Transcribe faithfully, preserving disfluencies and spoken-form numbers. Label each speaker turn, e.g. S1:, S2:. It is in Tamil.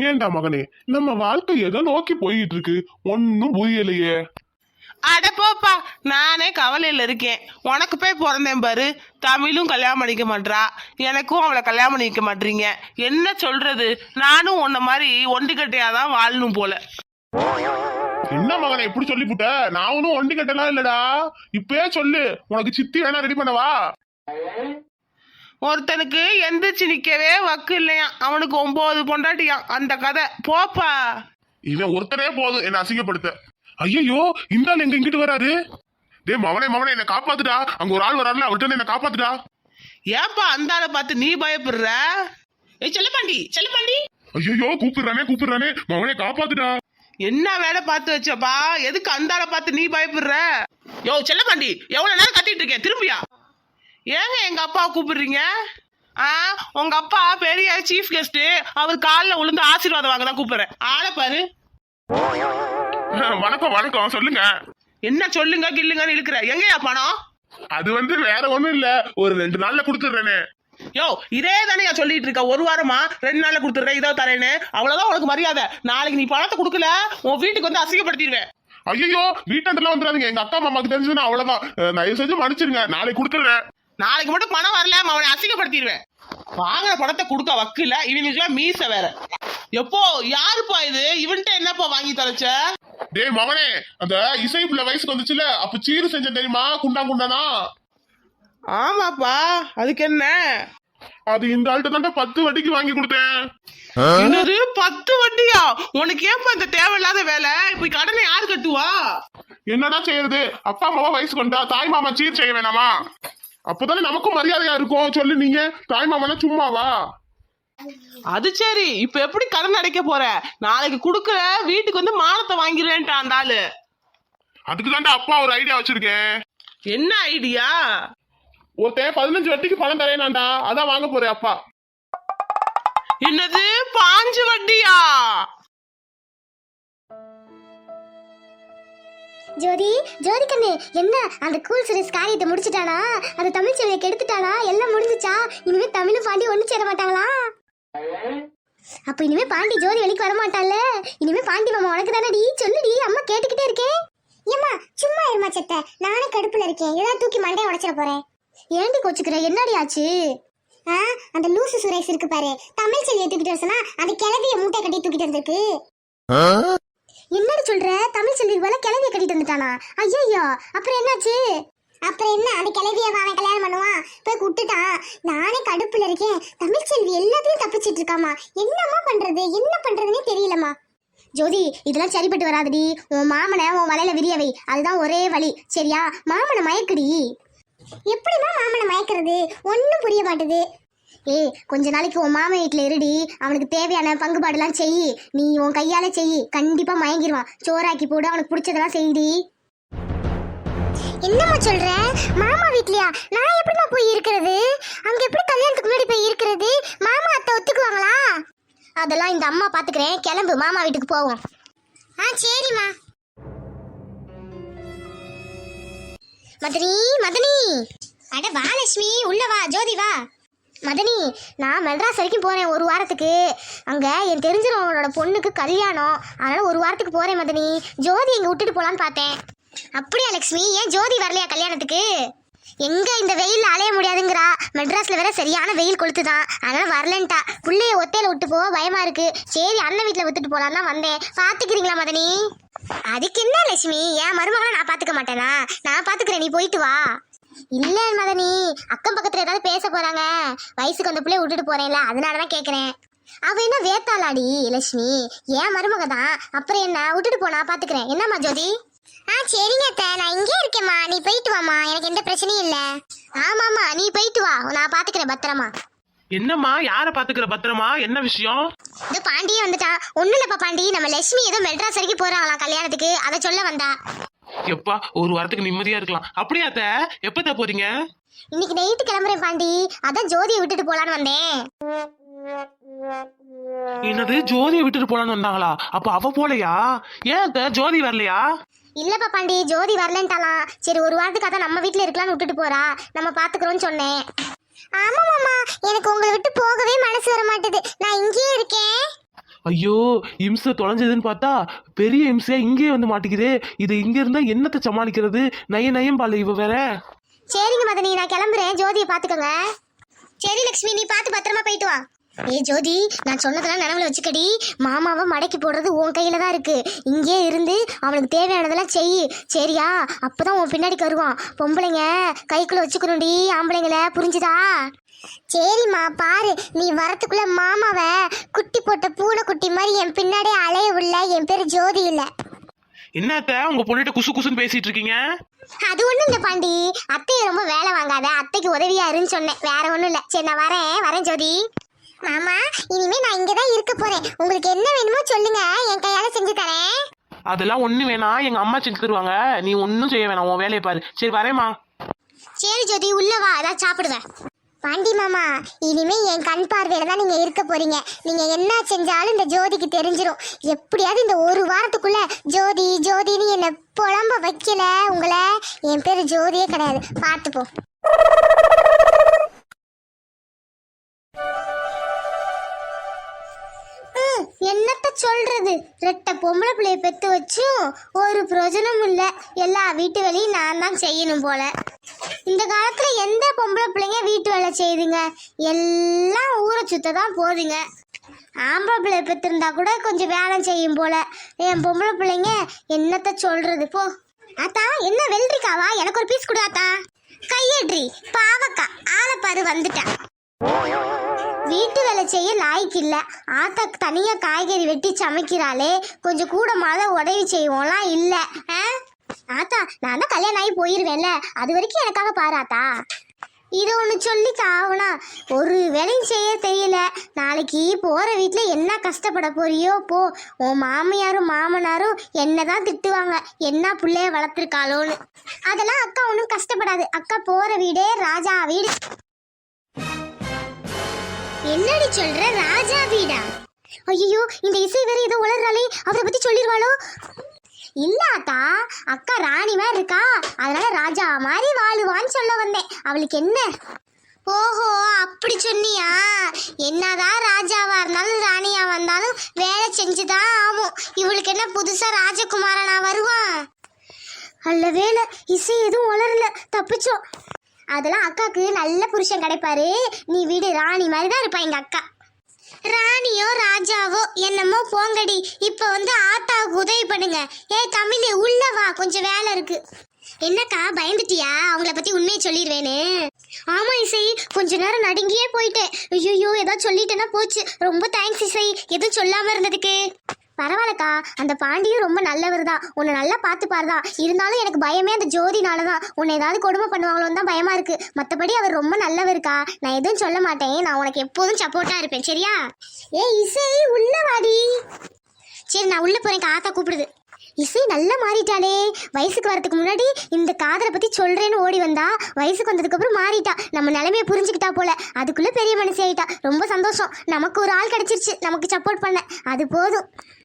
S1: ஏண்டா மகனே, நம்ம வாழ்க்கை எதை நோக்கி போயிட்டு இருக்கு ஒன்னும் புரியலையே.
S2: அட போப்பா, நானே கவலையில இருக்கேன். உனக்கு போய் பிறந்தேன் பாரு, தமிழும் கல்யாணம் பண்ணிக்க மாட்டா, எனக்கும் அவளை கல்யாணம் பண்ணிக்க மாட்டீங்க. என்ன சொல்றது, நானும் உன்ன மாதிரி ஒண்டிக்கட்டையாதான் வாழணும் போல.
S1: என்ன மகனே இப்படி சொல்லிப்புட்ட? நான் ஒன்னும் ஒண்டி கட்டலாம் இல்லடா. இப்பயே சொல்லு, உனக்கு சித்தி வேணா ரெடி பண்ணவா?
S2: ஒருத்தனுக்கு எந்திரிச்சு நிக்கவே வக்கு இல்லையா, அவனுக்கு ஒன்பது பொண்டாட்டியான். அந்த கதை போப்பா.
S1: இவன் ஒருத்தரே போதும் என்ன அசிங்கப்படுத்த. ஐயோ, இந்த ஆள் எங்க இங்கிட்டு வராரு? டே மவனே மவனே, என்ன காப்பாத்துடா. அங்க ஒரு ஆள் வராருல, அவர்கிட்ட என்ன காப்பாத்துடா.
S2: ஏப்பா அந்த ஆளை பார்த்து நீ பயப்படுற? ஏய் செல்லப்பாண்டி, செல்லப்பாண்டி.
S1: ஐயோ, கூப்பிடுறானே கூப்பிடுறானே, மவனே காப்பாத்துடா.
S2: என்ன வேலை பார்த்து வச்சப்பா, எதுக்கு அந்த ஆளை பார்த்து நீ பயப்படுற? யோ செல்லப்பாண்டி, எவ்வளவு நேரம் கத்திட்டு இருக்கேன், திரும்பியா? ஏங்க எங்க அப்பாவை கூப்பிடுறீங்க? ஆ, உங்க அப்பா பெரிய சீஃப் கெஸ்ட், அவர் காலில் விழுந்து ஆசீர்வாதம் வாங்க தான் கூப்பிடுறேன். ஆளை பாரு.
S1: வணக்கம் வணக்கம், சொல்லுங்க.
S2: என்ன சொல்லுங்க கில்லுங்கன்னு இழுக்கிற? எங்கயா பணம்?
S1: அது வந்து வேற ஒண்ணும் இல்ல, ஒரு ரெண்டு நாள்ல குடுத்துடுறேனே.
S2: யோ இதே தானே சொல்லிட்டு இருக்க, ஒரு வாரமா ரெண்டு நாள்ல கொடுத்துடுறேன் இதோ தரேன்னு. அவ்வளவுதான் உனக்கு மரியாதை. நாளைக்கு நீ பணத்தை கொடுக்கல, உன் வீட்டுக்கு வந்து அசிங்கப்படுத்திடுவேன்.
S1: ஐயோ, வீட்டாண்டெல்லாம் வந்துடாதீங்க, எங்க அக்கா மாமாக்கு தெரிஞ்சுன்னா அவ்வளவுதான். தயவு செஞ்சு மன்னிச்சிருங்க, நாளைக்கு கொடுத்துடுறேன்.
S2: நாளைக்கு மட்டும் பணம் வரல, அவனை அசிங்கப்படுத்திடுவேன். வாங்குற பணத்தை கொடுக்க வக்கில்ல, இவனுக்குலாம் மீச வேற. எப்போ யாருப்பா இது? இவன்ட்ட என்னப்பா வாங்கி தொலைச்ச?
S1: டேய் மகனே, அந்த இசை பிள்ளை வயசுக்கு வந்துச்சுல, அப்ப சீரு செஞ்ச தெரியுமா? குண்டா குண்டானா?
S2: ஆமாப்பா, அதுக்கு என்ன?
S1: அது இந்த ஆள்கிட்ட தான் பத்து வட்டிக்கு வாங்கி கொடுத்தேன்.
S2: என்னது பத்து வட்டியா? உனக்கு ஏப்பா இந்த தேவையில்லாத வேலை? இப்ப கடனை யாரு கட்டுவா?
S1: என்னடா செய்யறது, அப்பா அம்மாவா வயசுக்கு வந்தா தாய் மாமா சீர் செய்ய வேணாமா? அப்பதானே நமக்கும் மரியாதையா இருக்கும். சொல்லு, நீங்க தாய் மாமனா சும்மாவா?
S2: அது சரி, இப்ப எப்படி கடன் அடைக்க போற? நாளைக்கு குடுக்குற வீட்டுக்கு வந்து மானத்தை வாங்கிடுவேன்ட்டான் அந்த ஆளு.
S1: அதுக்கு தாண்டா அப்பா ஒரு ஐடியா வச்சிருக்கேன்.
S2: என்ன ஐடியா?
S1: ஒருத்தன் பதினஞ்சு வட்டிக்கு பணம் தரேனாண்டா, அதான் வாங்க போறேன் அப்பா.
S2: என்னது பாஞ்சு வட்டியா?
S3: ஜோதி, ஜோதி கண்ணு, என்ன அந்த கூல் சுரேஷ் காரியத்தை முடிச்சுட்டானா? அந்த தமிழ் செல்வியை கெடுத்துட்டானா? எல்லாம் முடிஞ்சுச்சா? இனிமே தமிழும் பாண்டி ஒண்ணு சேர மாட்டாங்களா? அப்ப இனிமே பாண்டி ஜோதி வெளிக்கு வர மாட்டாள்ல? இனிமே பாண்டி மாமா உனக்கு தானடி? சொல்லுடி, அம்மா கேட்டுக்கிட்டே இருக்கேன். ஏம்மா சும்மா இருமா செத்த, நானே கடுப்புல இருக்கேன். ஏதாவது தூக்கி மண்டையை உடைச்சிட போறேன். ஏண்டி கோச்சுக்கிற? என்னடி ஆச்சு? ஆ, அந்த லூசு சுரேஷ் இருக்கு பாரு, தமிழ் செல்வியை தூக்கிட்டு வரசனா அந்த கிளவிய மூட்டை கட்டி தூக்கிட்டு வந்திருக்கு. என்னடி சொல்ற? தமிழ் செல்விக்கு போல கிளவிய கட்டிட்டு வந்துட்டானா? ஐயோ, அப்புறம் என்னாச்சு? அப்புறம் என்ன, அந்த கிளவிய அவன் கல்யாணம் பண்ணுவான், போய் விட்டுட்டான். நானே கடுப்புல இருக்கேன். தமிழ் செல்வி எல்லாத்தையும் தப்பிச்சிட்டு இருக்காமா. என்னம்மா பண்றது, என்ன பண்றதுன்னே தெரியலம்மா. ஜோதி, இதெல்லாம் சரிப்பட்டு வராதுடி. உன் மாமனை உன் வலையில விரியவை, அதுதான் ஒரே வழி. சரியா? மாமனை மயக்குடி. எப்படிமா மாமனை மயக்கிறது? ஒன்னும் புரிய மாட்டுது. ஏய், கொஞ்ச நாளைக்கு உன் மாமன் வீட்டுல இருடி, அவனுக்கு தேவையான பங்குபாடுலாம் செய். நீ உன் கையால செய், கண்டிப்பா மயங்கிடுவான். சோறாக்கி போடு, அவனுக்கு பிடிச்சதெல்லாம் செய்டி. என்னம்மா சொல்ற? மாமா வீட்லயா? நான் எப்படிமா போய் இருக்கிறது? அங்க எப்படி கல்யாணத்துக்கு முன்னாடி போய் இருக்கிறது? மாமா அத்தை ஒத்துக்குவாங்களா? அதெல்லாம் இந்த அம்மா பாத்துக்கிறேன். கிளம்பு, மாமா வீட்டுக்கு போவோம். ஆ சரிம்மா. மதனி, மதனி. அட வா லட்சுமி, உள்ள வா. ஜோதி வா. மதனி, நான் மெட்ராஸ் வரைக்கும் போறேன் ஒரு வாரத்துக்கு. அங்க என் தெரிஞ்சவங்களோட பொண்ணுக்கு கல்யாணம், அதனால ஒரு வாரத்துக்கு போறேன் மதனி. ஜோதி எங்க விட்டுட்டு போலான்னு பார்த்தேன். அப்படியா லட்சுமி? ஏன் ஜோதி வரலையா கல்யாணத்துக்கு? எங்க இந்த வெயில் அலைய முடியாதுங்கிறா. மெட்ராஸ்ல வேற சரியான வெயில் கொளுத்துதான், அதனால வரலன்ட்டா. புள்ளைய ஒத்தையில விட்டு போக பயமா இருக்கு. சரி, அண்ணன் வீட்டுல விட்டுட்டு போலான்னு வந்தேன். பாத்துக்கிறீங்களா மதனி? அதுக்கு என்ன லட்சுமி, என் மருமகளை நான் பாத்துக்க மாட்டேனா? நான் பாத்துக்கிறேன், நீ போயிட்டு வா. இல்ல மதனி, அக்கம் பக்கத்துல ஏதாவது பேச போறாங்க. வயசுக்கு அந்த பிள்ளைய விட்டுட்டு போறேன்ல, அதனாலதான் கேக்குறேன். அவ என்ன வேத்தாளாடி லட்சுமி, ஏன் மருமக தான். அப்புறம் என்ன, விட்டுட்டு போனா பாத்துக்கிறேன். என்னம்மா ஜோதி? ஆ சரிங்க அத்தை, நான் இங்கே இருக்கேம்மா. நீ போயிட்டு வாமா, எனக்கு எந்த பிரச்சனையும் இல்ல. ஆமாமா, நீ போயிட்டு வா, நான் பாத்துக்கிறேன் பத்திரமா.
S2: என்னம்மா, யார பாத்துக்கிற பத்திரமா? என்ன விஷயம்?
S3: இந்த பாண்டியே வந்துட்டான். ஒண்ணு இல்லப்பா பாண்டி, நம்ம லட்சுமி ஏதோ மெட்ராஸ் வரைக்கும் போறாங்களாம் கல்யாணத்துக்கு, அதை சொல்ல வந்தா.
S2: எப்பா ஒரு வாரத்துக்கு நிம்மதியா இருக்கலாம். அப்படியா அத்தை? எப்ப போறீங்க?
S3: இன்னைக்கு நைட்டு கிளம்புறேன் பாண்டி, அதான் ஜோதியை விட்டுட்டு போலான்னு வந்தேன்.
S2: என்னது, ஜோதியை விட்டுட்டு போலான்னு வந்தாங்களா? அப்ப அவ போலையா? ஏன் அத்தை ஜோதி வரலையா?
S3: இல்லப்பா பாண்டி, ஜோதி வரலன்ட்டாலாம். சரி, ஒரு வாரத்துக்கு அதான் நம்ம வீட்டுல இருக்கலாம்னு விட்டுட்டு போறா, நம்ம பாத்துக்கிறோம்னு சொன்னேன். ஆமா மாமா, எனக்கு உங்களை விட்டு போகவே மனசு வர மாட்டேது. நான் இங்கேயே இருக்கேன்.
S2: ஐயோ இம்சை தொலைஞ்சதுன்னு பார்த்தா பெரிய இம்சையா இங்கே வந்து மாட்டிக்குதே. இது இங்க இருந்தா என்னத்தை சமாளிக்கிறது? நய நயம் பால இவ வேற.
S3: சரிங்க மதனி, நான் கிளம்புறேன். ஜோதியை பாத்துக்கோங்க. சரி லக்ஷ்மி, நீ பார்த்து பத்திரமா போயிட்டு வா. ஏ ஜோதி, நான் சொன்னதெல்லாம் நினைவுல வச்சுக்கடி. மாமாவை மடக்கி போடுறது உன் கையில தான் இருக்கு. இங்கே இருந்து அவனுக்கு தேவையானதெல்லாம் செய், சரியா? அப்பதான் உன் பின்னாடிக்கு வருவான். பொம்பளைங்க கைக்குள்ள வச்சுக்கணும்டி ஆம்பளைங்கள, புரிஞ்சுதா? சரிம்மா, பாரு நீ வரத்துக்குள்ள மாமாவை குட்டி போட்ட பூனை குட்டி மாதிரி என் பின்னாடியே அலைய உள்ள. என் பேரு ஜோதி இல்ல.
S2: என்னத்த உங்க பொண்ணுகிட்ட குசு குசுன்னு பேசிட்டு இருக்கீங்க?
S3: அது ஒண்ணும் இல்ல பாண்டி, அத்தையை ரொம்ப வேலை வாங்காத, அத்தைக்கு உதவியா இருன்னு சொன்னேன், வேற ஒண்ணும் இல்ல. சரி நான் வரேன் வரேன் ஜோதி. மாமா, இனிமே நான் இங்கதான் இருக்க போறேன். உங்களுக்கு என்ன வேணுமோ சொல்லுங்க, என் கையால செஞ்சு தரேன்.
S2: அதெல்லாம் ஒண்ணு வேணாம், எங்க அம்மா செஞ்சு தருவாங்க. நீ ஒன்னும் செய்ய வேணாம், உன் வேலையை பாரு. சரி வரேம்மா.
S3: சரி ஜோதி, உள்ள வா, அதான் சாப்பிடுவேன். பாண்டி மாமா, இனிமே என் கண் பார்வையில தான் நீங்க இருக்க போறீங்க. நீங்க என்ன செஞ்சாலும் இந்த ஜோதிக்கு தெரிஞ்சிடும். எப்படியாவது இந்த ஒரு வாரத்துக்குள்ள ஜோதி ஜோதின்னு என்ன புலம்ப வைக்கல உங்களை, என் பேரு ஜோதியே கிடையாது, பார்த்துப்போம். என்னத்த சொல்றது, ரெட்ட பொம்பளை பிள்ளைய பெத்து வச்சும் ஒரு பிரயோஜனமும் இல்ல. எல்லா வீட்டு வேலையும் நான் தான் செய்யணும் போல. இந்த காலத்துல எந்த பொம்பளை பிள்ளைங்க வீட்டு வேலை செய்யுதுங்க? எல்லாம் ஊரை சுத்த தான் போதுங்க. ஆம்பளை பிள்ளைய பெத்திருந்தா கூட கொஞ்சம் வேலை செய்யும் போல. என் பொம்பளை பிள்ளைங்க என்னத்த சொல்றது போ. ஆத்தா, என்ன வெள்ளரிக்காவா? எனக்கு ஒரு பீஸ் கொடு ஆத்தா. கையேற்றி பாவக்கா, ஆளப்பாரு வந்துட்டா. வீட்டு வேலை செய்ய லாய்க்கு இல்ல. ஆத்தா தனியா காய்கறி வெட்டி சமைக்கிறாளே, கொஞ்சம் கூட மாத உதவி செய்வோம்லாம் இல்ல. ஆத்தா, நான் தான் கல்யாணம் ஆகி போயிருவேன்ல, அது வரைக்கும் எனக்காக பாராத்தா. இது ஒண்ணு சொல்லிக்க ஆகுனா, ஒரு வேலையும் செய்ய தெரியல. நாளைக்கு போற வீட்டுல என்ன கஷ்டப்பட போறியோ போ. உன் மாமியாரும் மாமனாரும் என்னதான் திட்டுவாங்க, என்ன பிள்ளைய வளர்த்துருக்காளோன்னு. அதெல்லாம் அக்கா ஒன்றும் கஷ்டப்படாது. அக்கா போற வீடே ராஜா வீடு. என்னடி சொல்ற, ராஜா வீடா? ஐயோ, இந்த இசை வேற ஏதோ உளறாளே, அவரை பத்தி சொல்லிடுவாளோ? இல்லாத்தா, அக்கா ராணி மாதிரி இருக்கா, அதனால ராஜா மாதிரி வாழுவான்னு சொல்ல வந்தேன். அவளுக்கு என்ன? ஓஹோ, அப்படி சொன்னியா? என்னதான் ராஜாவா இருந்தாலும் ராணியா வந்தாலும் வேலை செஞ்சுதான் ஆகும். இவளுக்கு என்ன புதுசா ராஜகுமாரனா வருவான்? அல்ல வேலை, இசை எதுவும் உளரல, தப்பிச்சோம். அதெல்லாம் அக்காக்கு நல்ல புருஷன் கிடைப்பாரு. நீ வீடு ராணி மாதிரி தான் இருப்பா எங்க அக்கா. ராணியோ ராஜாவோ என்னமோ போங்கடி. இப்ப வந்து ஆத்தாவுக்கு உதவி பண்ணுங்க. ஏ தமிழ், உள்ள வா, கொஞ்சம் வேலை இருக்கு. என்னக்கா பயந்துட்டியா? அவங்கள பத்தி உண்மையை சொல்லிடுவேன்னு. ஆமா இசை, கொஞ்ச நேரம் நடுங்கியே போயிட்டேன். ஐயோ, ஏதாவது சொல்லிட்டேன்னா போச்சு. ரொம்ப தேங்க்ஸ் இசை, எதுவும் சொல்லாம இருந்ததுக்கு. பரவாயில்லக்கா, அந்த பாண்டியும் ரொம்ப நல்லவர் தான், உன்னை நல்லா பார்த்துப்பாருதான். இருந்தாலும் எனக்கு பயமே அந்த ஜோதினால தான். உன்னை ஏதாவது கொடுமை பண்ணுவாங்களோன்னு தான் பயமா இருக்கு. மற்றபடி அவர் ரொம்ப நல்லவருக்கா. நான் எதுவும் சொல்ல மாட்டேன், நான் உனக்கு எப்போதும் சப்போர்ட்டா இருப்பேன், சரியா? ஏ இசை, உள்ள வாடி. சரி நான் உள்ள போறேன், ஆத்தா கூப்பிடுது. இசை நல்லா மாறிட்டாளே. வயசுக்கு வரதுக்கு முன்னாடி இந்த காதலை பத்தி சொல்றேன்னு ஓடி வந்தா, வயசுக்கு வந்ததுக்கு அப்புறம் மாறிட்டா. நம்ம நிலைமையை புரிஞ்சுக்கிட்டா போல. அதுக்குள்ள பெரிய மனுஷி ஆயிட்டா. ரொம்ப சந்தோஷம், நமக்கு ஒரு ஆள் கிடைச்சிருச்சு நமக்கு சப்போர்ட் பண்ண, அது போதும்.